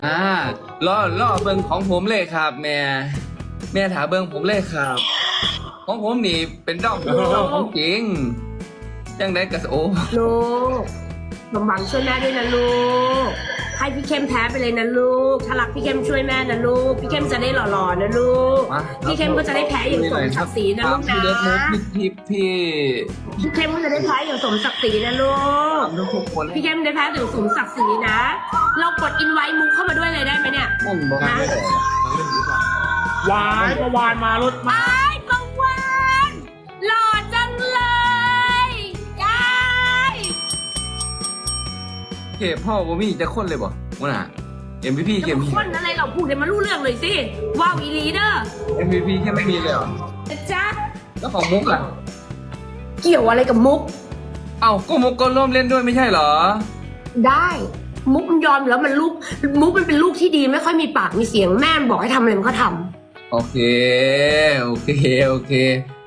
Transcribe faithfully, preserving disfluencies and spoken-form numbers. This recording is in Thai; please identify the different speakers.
Speaker 1: อ่าล่อล่อเบิ้งของผมเลยครับ แม่แม่ถาเบิ้งผมเลยครับ ของผมนี่เป็นดอกของจริงจังได้กระโอ
Speaker 2: ลูกสมหวังช่วยแม่ด้วยนะลูกให้พี่เข้มแพ้ไปเลยนะลูกถ้ารักพี่เข้มช่วยแม่นะลูกพี่เข้มจะได้หล่อๆนะลูก
Speaker 1: มา
Speaker 2: พี่เข้มก็จะได้แพ้อย่างสมศักดิ์ศรีนะลูก
Speaker 1: พี่
Speaker 2: นะ
Speaker 1: เล็กมุกพี่พี่
Speaker 2: พี่เข้มก็จะได้แพ้อย่างสมศักดิ์ศรีนะลูก
Speaker 1: พี่ทุกคน
Speaker 2: พี่เข้มได้แพ้อย่างสมศักดิ์ศรีนะ เรากดอินไว้มุกเข้ามาด้วยเลยได้ไหมเนี่ย
Speaker 1: ผมบอก
Speaker 2: นะ
Speaker 3: วายประวานมารถมา
Speaker 2: ไอ้กังวานหล่อจังเลยยาย
Speaker 1: เก็บพ่อผมมีจะคนเลยบ่วะน่ะ เอ็ม วี พี
Speaker 2: จะ
Speaker 1: เก็บ
Speaker 2: มาคนอะไรเราพูดให้มันรู้เรื่องเลยสิว้าวอีลีเดอร์
Speaker 1: เอ็ม วี พี แค่ไม่มีเลยเหรอ
Speaker 2: จ๊ะ
Speaker 1: แล้วของมุกล่ะ
Speaker 2: เกี่ยวอะไรกับมุก
Speaker 1: เอ้าก็มุกก็ร่วมเล่นด้วยไม่ใช่เหรอ
Speaker 2: ได้ มุกมันยอมอยู่แล้วมันลูกมุกมันเป็นลูกที่ดีไม่ค่อยมีปากมีเสียงแม่มันบอกให้ทำอะไรมันก็ทำ
Speaker 1: โอเค โอเค โอเค